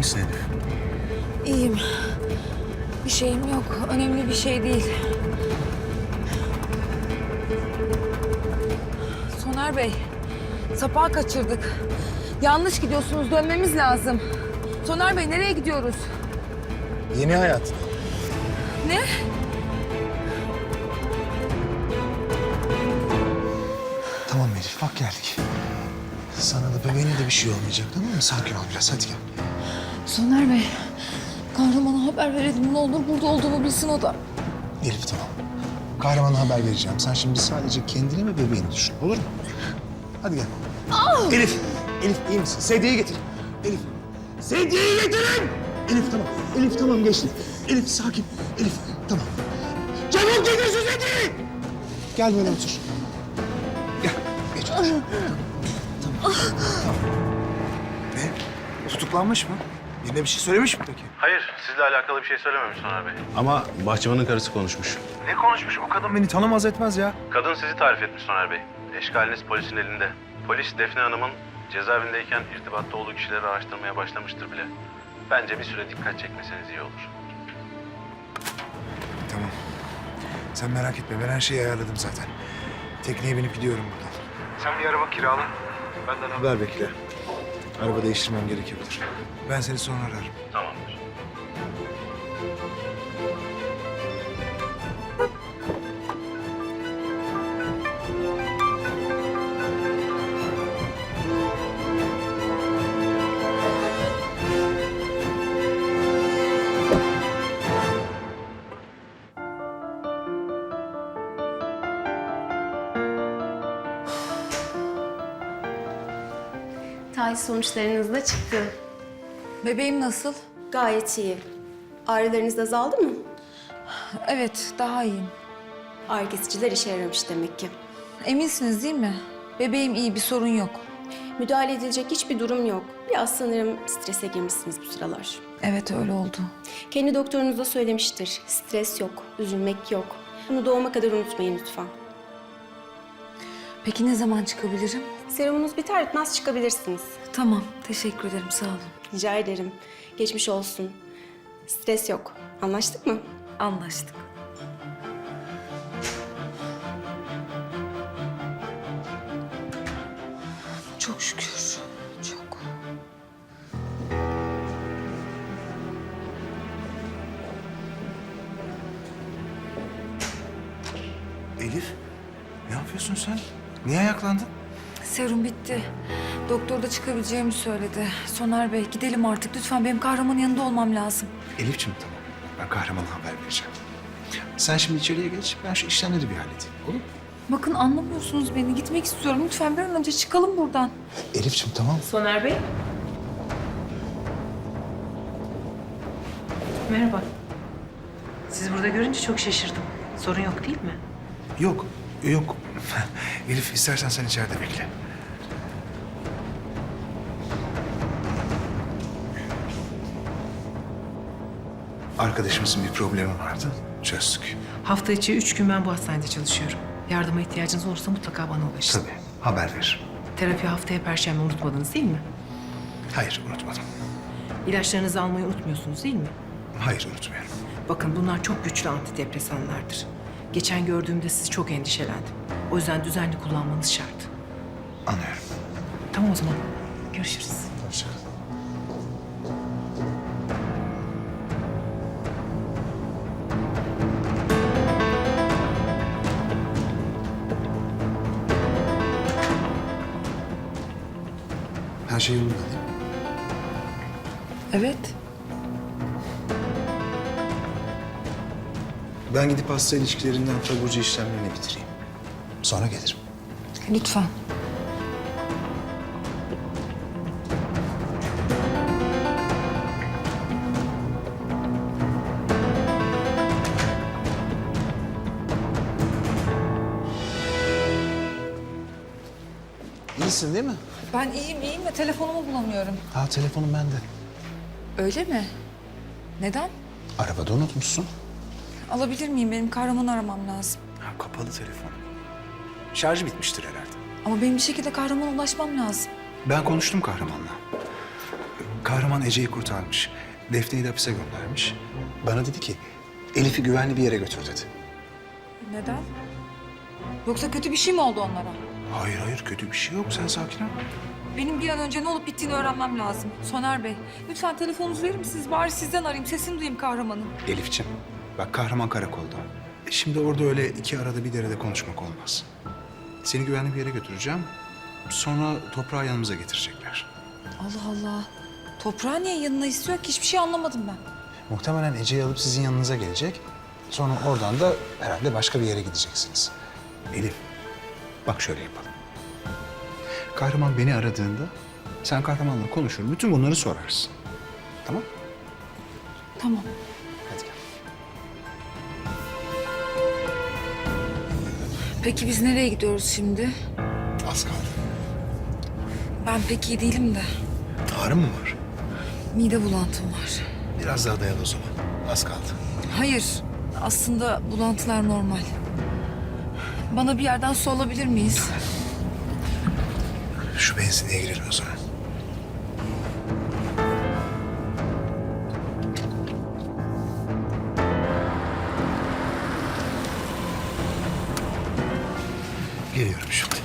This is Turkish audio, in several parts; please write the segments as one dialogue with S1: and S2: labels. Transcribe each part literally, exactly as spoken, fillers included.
S1: misin Elif?
S2: İyiyim. Bir şeyim yok. Önemli bir şey değil. Soner Bey, Sapağı kaçırdık. Yanlış gidiyorsunuz, dönmemiz lazım. Soner Bey, nereye gidiyoruz?
S1: Yeni hayat.
S2: Ne?
S1: Tamam Elif, bak geldik. Sana da bebeğine de bir şey olmayacak, tamam mı? Sakin ol biraz, hadi gel.
S2: Soner Bey, kahramana haber verelim ne olur. Burada olduğumu bilsin o da.
S1: Elif tamam. Kahramana haber vereceğim. Sen şimdi sadece kendini ve bebeğini düşün, olur mu? Hadi gel. Elif, Elif iyi misin? Sedyeyi getir. Elif, sedyeyi getirin! Elif tamam, Elif tamam geçti. Elif sakin, Elif tamam. Çabuk getir şu sedyeyi! Gel böyle otur. Gel, geç otur. Tamam, tamam, tamam. Ne? Tutuklanmış mı? Birine bir şey söylemiş mi peki?
S3: Hayır, sizle alakalı bir şey söylememiş Soner Bey.
S4: Ama bahçıvanın karısı konuşmuş.
S3: Ne konuşmuş? O kadın
S1: Beni tanımaz etmez ya.
S3: Kadın sizi tarif etmiş Soner Bey. Eşkaliniz polisin elinde. Polis Defne Hanım'ın cezaevindeyken irtibatta olduğu kişileri araştırmaya başlamıştır bile. Bence bir süre dikkat çekmeseniz iyi olur.
S1: Tamam. Sen merak etme, ben her şeyi ayarladım zaten. Tekneye binip gidiyorum buradan. Sen bir araba kirala. Benden haber bekle. Araba değiştirmem gerekebilir. Ben seni sonra ararım.
S3: Tamamdır.
S5: Tahlil sonuçlarınız da çıktı.
S2: Bebeğim nasıl?
S5: Gayet iyi. Ağrılarınız azaldı mı?
S2: Evet, daha iyiyim.
S5: Ağrı kesiciler işe yaramış demek ki.
S2: Eminsiniz değil mi? Bebeğim iyi, bir sorun yok.
S5: Müdahale edilecek hiçbir durum yok. Biraz sanırım strese girmişsiniz bu sıralar.
S2: Evet, öyle oldu.
S5: Kendi doktorunuz da söylemiştir. Stres yok, üzülmek yok. Bunu doğuma kadar unutmayın lütfen.
S2: Peki ne zaman çıkabilirim?
S5: Serumunuz biter bitmez çıkabilirsiniz.
S2: Tamam, teşekkür ederim, sağ olun.
S5: Rica ederim. Geçmiş olsun. Stres yok. Anlaştık mı?
S2: Anlaştık. Çok şükür, çok.
S1: Elif, ne yapıyorsun sen? Niye ayaklandın?
S2: Serum bitti. Doktor da çıkabileceğimi söyledi. Soner Bey, gidelim artık. Lütfen benim kahramanın yanında olmam lazım.
S1: Elif'ciğim tamam. Ben kahramana haber vereceğim. Sen şimdi içeriye geç, ben şu işlemleri bir halledeyim, olur mu?
S2: Bakın anlamıyorsunuz beni. Gitmek istiyorum. Lütfen bir an önce çıkalım buradan.
S1: Elif'ciğim tamam.
S6: Soner Bey. Merhaba. Sizi burada görünce çok şaşırdım. Sorun yok değil mi?
S1: Yok, yok. Elif istersen sen içeride bekle. Arkadaşımızın bir problemi vardı. Çözdük.
S6: Hafta içi üç gün ben bu hastanede çalışıyorum. Yardıma ihtiyacınız olursa mutlaka bana ulaşın.
S1: Tabii, haber ver.
S6: Terapi haftaya perşembe unutmadınız değil mi?
S1: Hayır, unutmadım.
S6: İlaçlarınızı almayı unutmuyorsunuz değil mi?
S1: Hayır, unutmuyorum.
S6: Bakın bunlar çok güçlü antidepresanlardır. Geçen gördüğümde sizi çok endişelendim. O yüzden düzenli kullanmanız şart.
S1: Anlıyorum.
S6: Tamam o zaman. Görüşürüz.
S1: Hoşça kal. Her şey yolunda değil mi?
S2: Evet.
S1: Ben gidip hasta ilişkilerinden taburcu işlemlerini bitireyim. Sonra gelirim.
S2: Lütfen.
S1: İyisin değil mi?
S2: Ben iyiyim, iyiyim de telefonumu bulamıyorum.
S1: Ha telefonum bende.
S2: Öyle mi? Neden?
S1: Arabada unutmuşsun.
S2: Alabilir miyim? Benim kahramanı aramam lazım.
S1: Ha, kapalı telefon. Şarjı bitmiştir herhalde.
S2: Ama benim bir şekilde kahramana ulaşmam lazım.
S1: Ben konuştum kahramanla. Kahraman Ece'yi kurtarmış. Defne'yi de hapise göndermiş. Bana dedi ki Elif'i güvenli bir yere götür dedi.
S2: Neden? Yoksa kötü bir şey mi oldu onlara?
S1: Hayır hayır kötü bir şey yok. Sen sakin ol.
S2: Benim bir an önce ne olup bittiğini öğrenmem lazım. Soner Bey, lütfen telefonunuzu verir misiniz? Bari sizden arayayım, sesini duyayım kahramanın.
S1: Elif'ciğim bak kahraman karakolda. E Şimdi orada öyle iki arada bir derede konuşmak olmaz. Seni güvenli bir yere götüreceğim. Sonra toprağı yanımıza getirecekler.
S2: Allah Allah. Toprağı niye yanına istiyor ki? Hiçbir şey anlamadım ben.
S1: Muhtemelen Ece'yi alıp sizin yanınıza gelecek. Sonra oradan da herhalde başka bir yere gideceksiniz. Elif, bak şöyle yapalım. Kahraman beni aradığında sen kahramanla konuşur, bütün bunları sorarsın. Tamam?
S2: Tamam.
S1: Hadi gel.
S2: Peki biz nereye gidiyoruz şimdi?
S1: Az kaldı.
S2: Ben pek iyi değilim de.
S1: Ağrın mı var?
S2: Mide bulantım var.
S1: Biraz daha dayan o zaman. Az kaldı.
S2: Hayır, aslında bulantılar normal. Bana bir yerden su alabilir miyiz?
S1: Şu benzinliğe girelim o zaman. Geliyorum şimdi.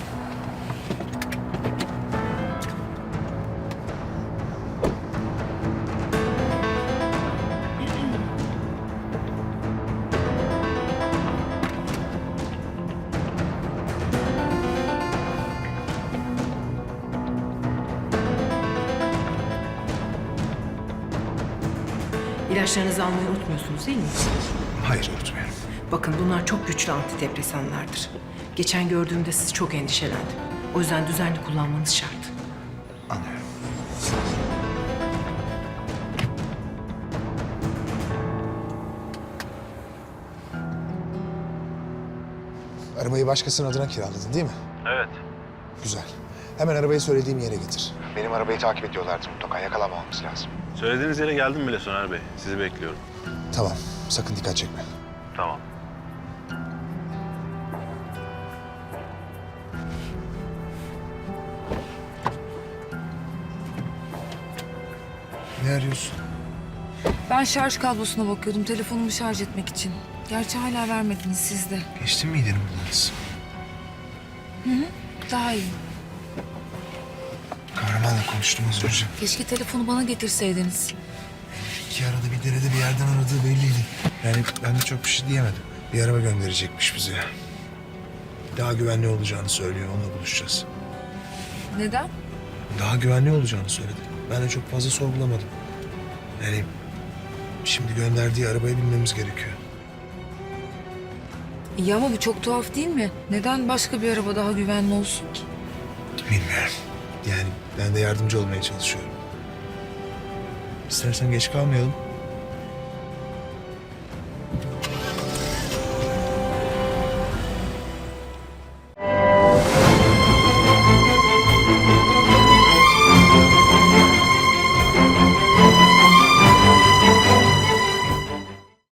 S6: İlaçlarınızı almayı unutmuyorsunuz değil mi?
S1: Hayır unutmayalım.
S6: Bakın bunlar çok güçlü antidepresanlardır. Geçen gördüğümde sizi çok endişelendim. O yüzden düzenli kullanmanız şart.
S1: Anlıyorum. Arabayı başkasının adına kiraladın değil mi?
S3: Evet.
S1: Güzel. Hemen arabayı söylediğim yere getir. Benim arabayı takip ediyorlardı mutlaka. Yakalamamamız lazım.
S3: Söylediğiniz yere geldim bile Soner Bey. Sizi bekliyorum.
S1: Tamam. Sakın dikkat çekme.
S3: Tamam.
S1: Ne arıyorsun?
S2: Ben şarj kablosuna bakıyordum telefonumu şarj etmek için. Gerçi hala vermediniz siz de.
S1: Geçtin mi gidelim bulanız?
S2: Daha iyi.
S1: Kahramanla konuştum az önce.
S2: Keşke telefonu bana getirseydiniz.
S1: İki arada bir derede bir yerden aradığı belliydi. Yani ben de çok bir şey diyemedim. Bir araba gönderecekmiş bize. Daha güvenli olacağını söylüyor. Onunla buluşacağız.
S2: Neden?
S1: Daha güvenli olacağını söyledi. Ben de çok fazla sorgulamadım. Yani şimdi gönderdiği arabaya binmemiz gerekiyor.
S2: İyi ama bu çok tuhaf değil mi? Neden başka bir araba daha güvenli olsun ki?
S1: Bilmiyorum. Yani ben de yardımcı olmaya çalışıyorum. İstersen geç kalmayalım.